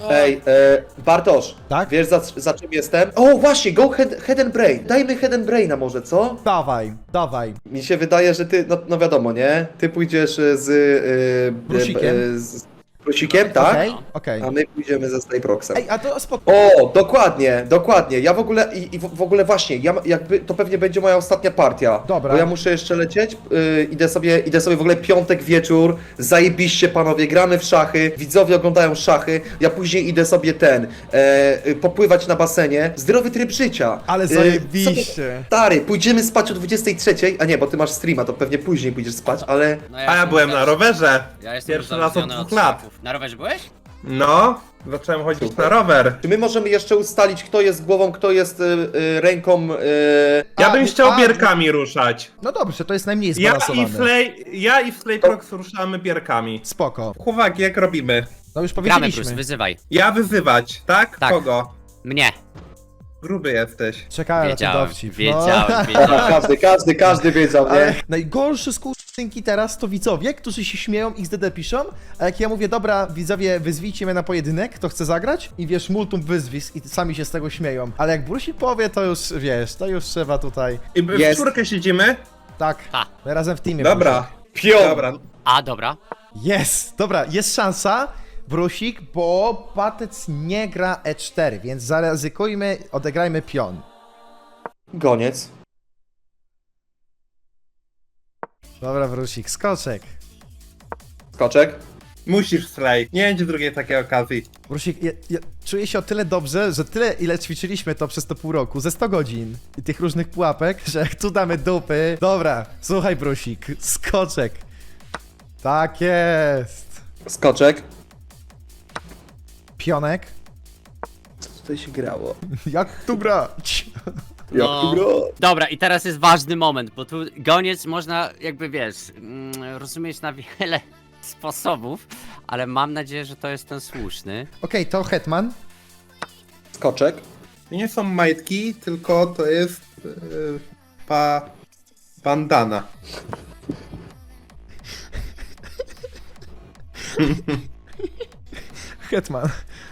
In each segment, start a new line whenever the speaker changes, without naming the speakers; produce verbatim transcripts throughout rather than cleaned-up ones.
Ej, e, Bartosz,
Tak?
wiesz za, za czym jestem? O, właśnie, go head, head and brain. Dajmy head and braina może, co?
Dawaj, dawaj.
Mi się wydaje, że ty, no, no wiadomo, nie? Ty pójdziesz e, z... E,
Brusikiem.
E, z Brusikiem, tak?
Okej, okej.
A my pójdziemy ze Slayproxem.
Ej, a to spoko.
O, dokładnie, dokładnie. Ja w ogóle, i, i w, w ogóle właśnie, ja jakby, to pewnie będzie moja ostatnia partia.
Dobra.
Bo ja muszę jeszcze lecieć, yy, idę sobie, idę sobie w ogóle piątek wieczór, zajebiście panowie, gramy w szachy, widzowie oglądają szachy, ja później idę sobie ten, e, y, popływać na basenie, zdrowy tryb życia.
Ale
Y,
zajebiście.
sobie- Stary, pójdziemy spać o dwudziestej trzeciej, a nie, bo ty masz streama, to pewnie później pójdziesz spać, ale...
No
A ja
jestem
byłem na
uzależniony-
rowerze.
Ja jestem
Pierwszy raz od
uzależniony
dwóch lat.
szachów. Na rowerze byłeś?
No, zacząłem chodzić na rower.
Czy my możemy jeszcze ustalić, kto jest głową, kto jest y, y, ręką... Y...
Ja
A,
bym chciał
a,
bierkami ruszać.
No dobrze, to jest najmniej
Ja
zbalansowane.
i Slay, ja i Slayprox ruszamy bierkami.
Spoko.
Chłopaki, jak robimy?
No już
Gramy, Bruce,
powiedzieliśmy.
wyzywaj.
Ja wyzywać, tak?
Tak.
Kogo?
Mnie.
Gruby jesteś.
Czekałem na ten
Wiedziałem,
dowcip.
wiedziałem,
No.
wiedziałem.
Każdy, każdy, każdy wiedział,
Ale
nie?
najgorsze skutynki teraz to widzowie, którzy się śmieją, X D D piszą, a jak ja mówię, dobra, widzowie, wyzwijcie mnie na pojedynek, kto chce zagrać? I wiesz, multum wyzwisk i sami się z tego śmieją. Ale jak Brusik powie, to już, wiesz, to już trzeba tutaj...
I w
Jest.
czwórkę siedzimy?
Tak,
Ha.
my razem w teamie.
Dobra.
Pion!
Dobra.
A, dobra.
Jest! Dobra, jest szansa, Brusik, bo Patec nie gra E cztery, więc zaryzykujmy, odegrajmy pion.
Goniec.
Dobra, Brusik, skoczek.
Skoczek.
Musisz Slay. Nie będzie drugiej takiej okazji.
Brusik, ja, ja czuję się o tyle dobrze, że tyle ile ćwiczyliśmy to przez to pół roku, ze sto godzin i tych różnych pułapek, że jak tu damy dupy... Dobra, słuchaj Brusik, skoczek. Tak jest.
Skoczek.
Pionek.
Co tutaj się grało?
Jak tu grać?
Jak tu gra?
Dobra, i teraz jest ważny moment, bo tu goniec można jakby, wiesz, mm, rozumieć na wiele sposobów, ale mam nadzieję, że to jest ten słuszny.
Okej, to Hetman.
Skoczek.
To nie są majtki, tylko to jest... Yy, pa... bandana.
Hetman.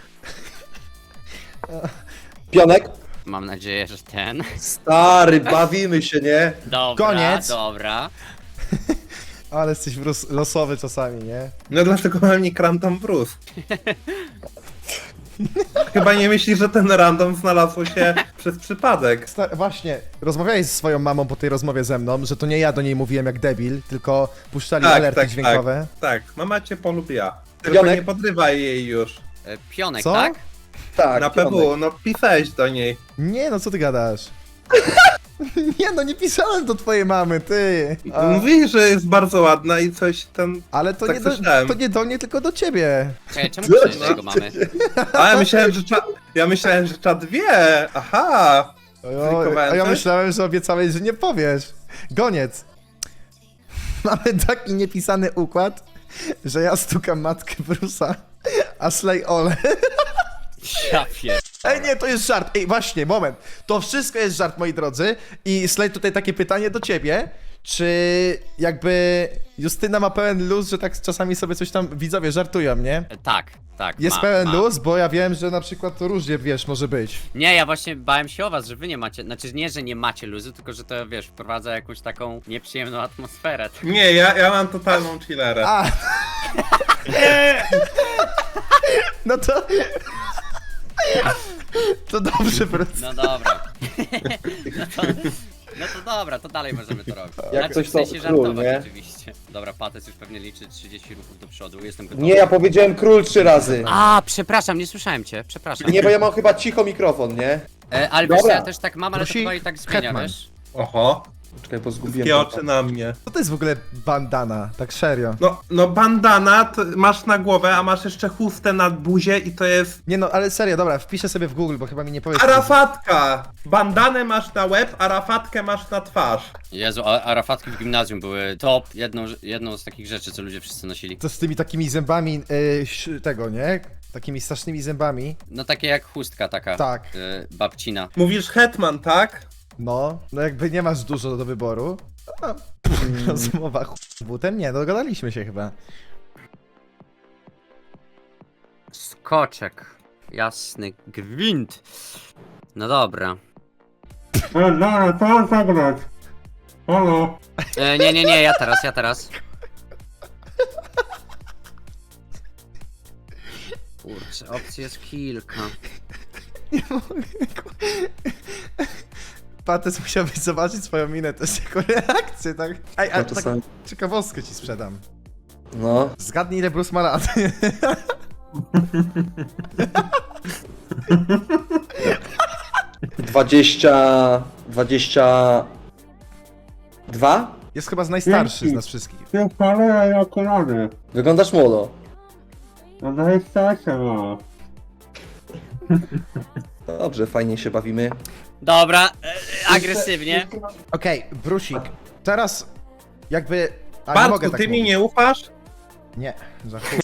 Pionek.
Mam nadzieję, że ten.
Stary, bawimy się, nie?
Dobra,
Koniec.
dobra.
Ale jesteś wros- losowy czasami, nie?
No dlatego mam nick Random Bruce. Chyba nie myślisz, że ten random znalazł się przez przypadek.
Sta- właśnie, rozmawiałeś ze swoją mamą po tej rozmowie ze mną, że to nie ja do niej mówiłem jak debil, tylko puszczali
Tak,
alerty
tak,
dźwiękowe.
Tak, mama cię polubiła. Tylko
Pionek.
nie podrywaj jej już.
E, Pionek,
Co?
tak?
Tak,
Na
pionek.
P W, no pisałeś do niej.
Nie, no co ty gadasz? Nie, no nie pisałem do twojej mamy, ty. A,
Mówi, że jest bardzo ładna i coś ten...
ale to,
tak
nie do,
słyszałem.
to nie do mnie, tylko do ciebie.
Czekaj, czemu pisałeś do jego mamy?
A ja myślałem, że czat... Ja myślałem, że czat wie. Aha.
A ja,
Zlikowałem
a ja
coś?
myślałem, że obiecałeś, że nie powiesz. Goniec. Mamy taki niepisany układ, że ja stukam matkę Brusa, a Slay Ole.
Ja pier...
Ej, nie, to jest żart. Ej, właśnie, moment. To wszystko jest żart, moi drodzy. I Slay, tutaj takie pytanie do ciebie. Czy jakby Justyna ma pełen luz, że tak czasami sobie coś tam widzowie żartują, nie?
E, Tak, tak.
Jest
mam,
pełen
mam.
luz, bo ja wiem, że na przykład to różnie, wiesz, może być.
Nie, ja właśnie bałem się o was, że wy nie macie, znaczy nie, że nie macie luzu, tylko że to, wiesz, wprowadza jakąś taką nieprzyjemną atmosferę.
Nie, ja, ja mam totalną chillerę.
A! No to... To dobrze, po prostu.
No dobra. No to, no to dobra, to dalej możemy to robić.
Jak
Znaczy,
coś
w
to
sensie
król,
żartować
nie?
oczywiście. Dobra, Patec już pewnie liczy trzydzieści ruchów do przodu, jestem gotowy.
Nie, ja powiedziałem król trzy razy.
A, przepraszam, nie słyszałem cię, przepraszam.
Nie, bo ja mam chyba cicho mikrofon, nie?
E, ale wiesz,
Dobra.
ja też tak mam, ale to
Prosi,
chyba i tak zmienia,
Hetman.
wiesz?
Oho.
Czekaj, bo zgubiłem.
Wszystkie oczy na mnie.
Co to jest w ogóle bandana? Tak serio.
No, no bandana to masz na głowę, a masz jeszcze chustę na buzie i to jest...
Nie no, ale serio, dobra, wpiszę sobie w Google, bo chyba mi nie powiesz.
Arafatka! Bandanę maś na łeb, a rafatkę masz na twarz.
Jezu, a, a rafatki w gimnazjum były top, jedną, jedną z takich rzeczy, co ludzie wszyscy nosili.
To z tymi takimi zębami yy, ś- tego, nie? Takimi strasznymi zębami.
No takie jak chustka taka.
Tak.
E, babcina.
Mówisz hetman, tak?
No, no jakby nie masz dużo do wyboru. A, pff, rozmowa ch... butem? Nie, dogadaliśmy się chyba.
Skoczek. jasny gwint. No dobra.
E, dobra, to zagrać. Halo.
E, nie, nie, nie, ja teraz, ja teraz. Kurczę, opcji jest kilka.
Patec musiałbyś zobaczyć swoją minę też jako reakcję, tak? Ej, ale
No to
tak
sam-
ciekawostkę ci sprzedam.
No.
Zgadnij, ile Bruce ma lat.
Dwadzieścia... Dwadzieścia... Dwa?
Jest chyba z najstarszy z nas wszystkich.
Ty cholera i okulary.
Wyglądasz młodo.
No dwadzieścia osiem ma.
Dobrze, fajnie się bawimy.
Dobra, e, agresywnie.
Okej, Brusik, teraz jakby... A, nie
Bartku,
mogę tak
ty mi
mówić.
nie ufasz?
Nie, za chuj.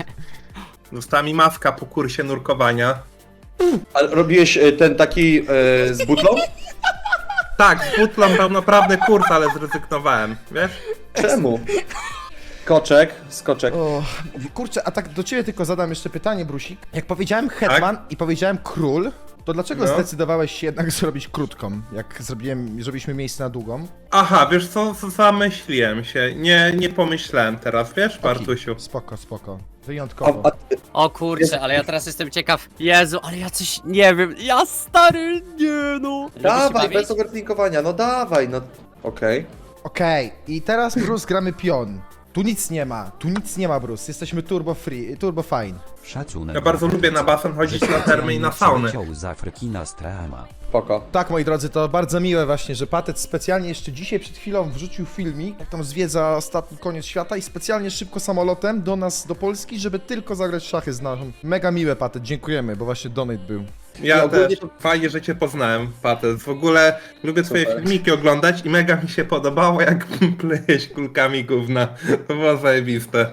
Została mi mawka po kursie nurkowania.
A robiłeś e, ten taki e, z butlą?
Tak, z butlą był naprawdę kurs, ale zrezygnowałem, wiesz?
Czemu? Skoczek, skoczek.
O, kurczę, a tak do ciebie tylko zadam jeszcze pytanie, Brusik. Jak powiedziałem Hetman i powiedziałem Król, to dlaczego
No.
zdecydowałeś się jednak zrobić krótką, jak zrobiłem, zrobiliśmy miejsce na długą?
Aha, wiesz co, z- zamyśliłem się. Nie, nie pomyślałem teraz, wiesz, Bartusiu?
Spoko, spoko.
A,
Wyjątkowo.
a,
O kurczę, ale ja teraz jestem ciekaw. Jezu, ale ja coś nie wiem. Ja stary, nie no. Lubisz się
dawaj,
bawić?
bez overthinkowania, no dawaj, no. Okej.
Okej, i teraz Bruce gramy pion. Tu nic nie ma, tu nic nie ma, Bruce. Jesteśmy turbo free, turbo fine.
Szacunek.
Ja bardzo lubię na basen chodzić na termy i na sauny.
Przyleciał z Afryki na Strama.
Spoko.
Tak, moi drodzy, to bardzo miłe właśnie, że Patec specjalnie jeszcze dzisiaj przed chwilą wrzucił filmik, jak tam zwiedza ostatni koniec świata i specjalnie szybko samolotem do nas, do Polski, żeby tylko zagrać w szachy z naszą. Mega miłe, Patec, dziękujemy, bo właśnie donate był.
Ja
Ja ogólnie
też.
to-
Fajnie, że cię poznałem, Patec. W ogóle lubię twoje
Super.
filmiki oglądać i mega mi się podobało, jak plejesz kulkami gówna. To było zajebiste.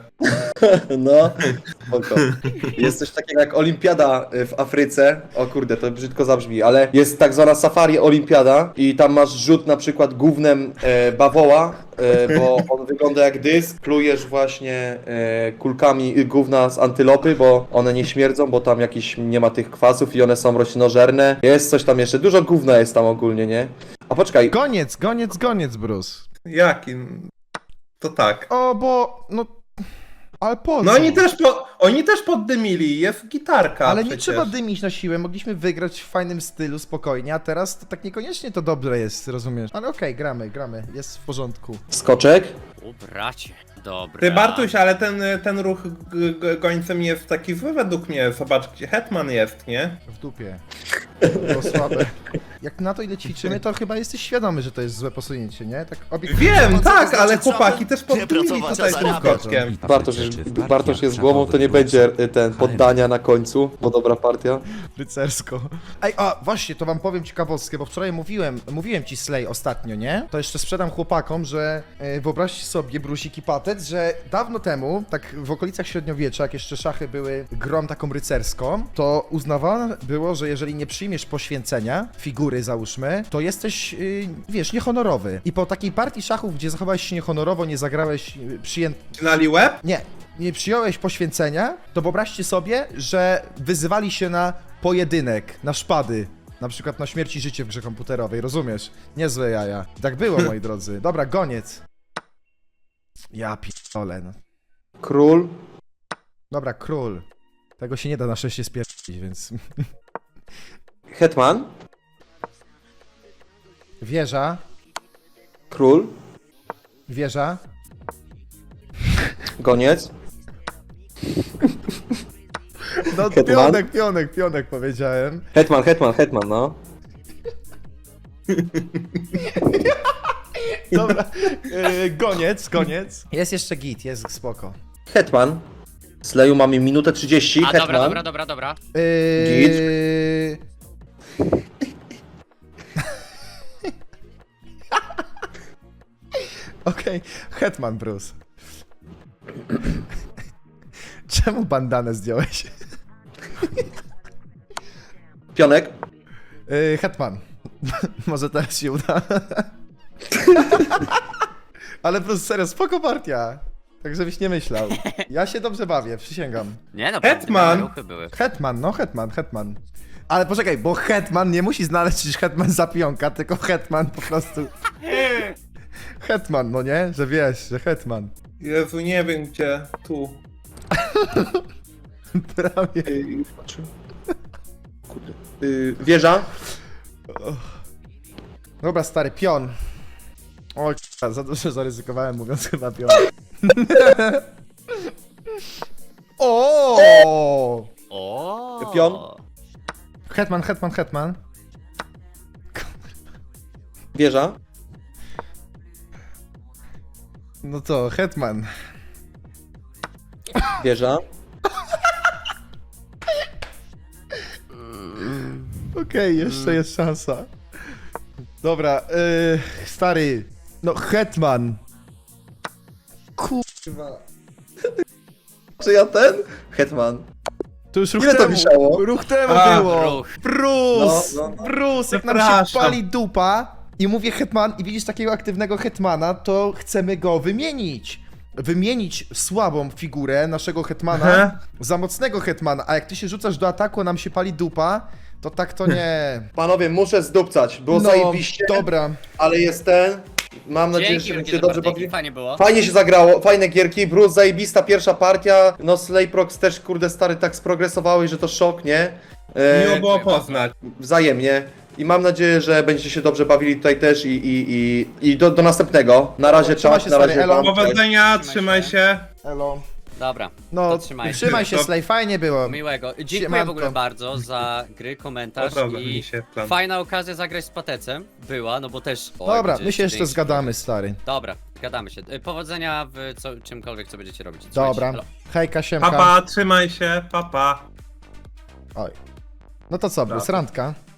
No, spoko. Jest coś takiego jak olimpiada y, w Afryce. O kurde, to brzydko zabrzmi, ale jest tak zwana safari olimpiada i tam masz rzut na przykład gównem e, bawoła, e, bo on wygląda jak dysk. Plujesz właśnie e, kulkami y, gówna z antylopy, bo one nie śmierdzą, bo tam jakiś nie ma tych kwasów i one są roślinożerne. Jest coś tam jeszcze, dużo gówna jest tam ogólnie, nie? A poczekaj,
Goniec, goniec, goniec, Bruce.
Jaki? To tak.
O, bo, no... Ale po co?
No oni też, po, oni też poddymili, jest gitarka
Ale nie
przecież.
trzeba dymić na siłę, mogliśmy wygrać w fajnym stylu, spokojnie, a teraz to tak niekoniecznie to dobre jest, rozumiesz? Ale okej, gramy, gramy, jest w porządku.
skoczek.
O bracie, dobra.
Ty Bartuś, ale ten, ten ruch g- g- gońcem jest taki zły według mnie. Zobacz, gdzie Hetman jest, nie?
W dupie. Było słabe. Jak na to ile ćwiczymy, to chyba jesteś świadomy, że to jest złe posunięcie, nie? Tak obiektywnie.
Wiem,
co to
tak,
znaczy
ale
trzeba
chłopaki też poddymili
pracować,
tutaj
a
tym
zarabiać.
skoczkiem.
Bartosz, Bartosz jest głową, to nie będzie y, ten poddania na końcu, bo dobra partia.
Rycersko. Ej, a właśnie, to wam powiem ciekawostkę, bo wczoraj mówiłem, mówiłem ci Slay ostatnio, nie? To jeszcze sprzedam chłopakom, że e, wyobraźcie sobie, Brusik i Patec, że dawno temu, tak w okolicach średniowiecza, jak jeszcze szachy były grą taką rycerską, to uznawane było, że jeżeli nie przyjmiesz poświęcenia, figury załóżmy, to jesteś, y, wiesz, niehonorowy. I po takiej partii szachów, gdzie zachowałeś się niehonorowo, nie zagrałeś y, przyjęt...
Cinali łeb?
Nie, nie przyjąłeś poświęcenia, to wyobraźcie sobie, że wyzywali się na pojedynek, na szpady. Na przykład na śmierć i życie w grze komputerowej, rozumiesz? Niezłe jaja. Tak było, moi drodzy. Dobra, goniec. Ja pierdolę, no.
Król.
Dobra, król. Tego się nie da na szczęście spierdzić, więc...
Hetman.
Wieża,
Król.
wieża.
Goniec.
No,
Hetman?
pionek, pionek, pionek powiedziałem.
Hetman, hetman, hetman, no.
Dobra, yy, goniec, goniec. Jest jeszcze git, jest spoko.
Hetman. Sleju mamy minutę trzydzieści.
A
Hetman.
dobra, dobra, dobra, dobra.
Yy... Okej, Hetman Bruce. Czemu bandanę zdjąłeś?
Pionek.
Yy, Hetman. Może teraz się uda. Ale Bruce, serio, spoko partia. Tak żebyś nie myślał. Ja się dobrze bawię, przysięgam.
Nie no,
Hetman.
ruchy były.
Hetman, no Hetman, Hetman. Ale poczekaj, bo Hetman nie musi znaleźć Hetman za pionka, tylko Hetman po prostu... Hetman, no nie? Że wiesz, że Hetman.
Jezu, nie wiem gdzie. Tu.
Prawie.
Yy, patrzę. Kurde. Yy, wieża.
Dobra, stary, pion. Oj, k***a, za dużo zaryzykowałem, mówiąc chyba pion. O!
O.
Pion.
Hetman, Hetman, Hetman.
Wieża.
No to, Hetman.
Wieża.
Okej, jeszcze jest szansa. Dobra, yy, stary. No, Hetman. Kurwa.
Czy ja ten? Hetman.
To już ruch
Ile to
temu,
wisiało?
ruch temu
A,
było.
ruch.
Brus!
No, no, no.
Brus, jak nam się
Przepraszam.
pali dupa i mówię Hetman i widzisz takiego aktywnego Hetmana, to chcemy go wymienić. Wymienić słabą figurę naszego Hetmana
Aha.
za mocnego Hetmana, a jak ty się rzucasz do ataku, a nam się pali dupa, to tak to nie.
Panowie, muszę zdupcać. Było
No,
zajebiście,
dobra.
ale jest ten. Mam nadzieję,
Dzięki
że
wielkie
się
za
dobrze
partyjki,
bawili.
fajnie było.
Fajnie się zagrało, fajne gierki, Bruce zajebista pierwsza partia, no Slayprox też kurde stary tak sprogresowałeś, że to szok, nie? E,
Miło było poznać.
Wzajemnie i mam nadzieję, że będziecie się dobrze bawili tutaj też i, i, i, i do, do następnego. Na razie
Trzymaj
czas,
się,
na
stary,
razie
elo.
wam.
Powodzenia,
Trzymaj
trzymaj
się.
się.
Elo.
Dobra,
No,
to trzymaj się.
trzymaj się,
To-
Slay, fajnie było.
Miłego. Dziękuję
Siemanko.
w ogóle bardzo za gry, komentarz
Podoba
i
mi się plan.
fajna okazja zagrać z Patecem była, no bo też... Oj,
Dobra,
będzie
my się jeszcze
dzięki.
zgadamy, stary.
Dobra, zgadamy się. Y, Powodzenia w co, czymkolwiek, co będziecie robić. Trzymajcie
Dobra.
się, elo.
Hejka, siemka.
Papa, trzymaj się, papa.
Oj. No to co, Bruce, randka?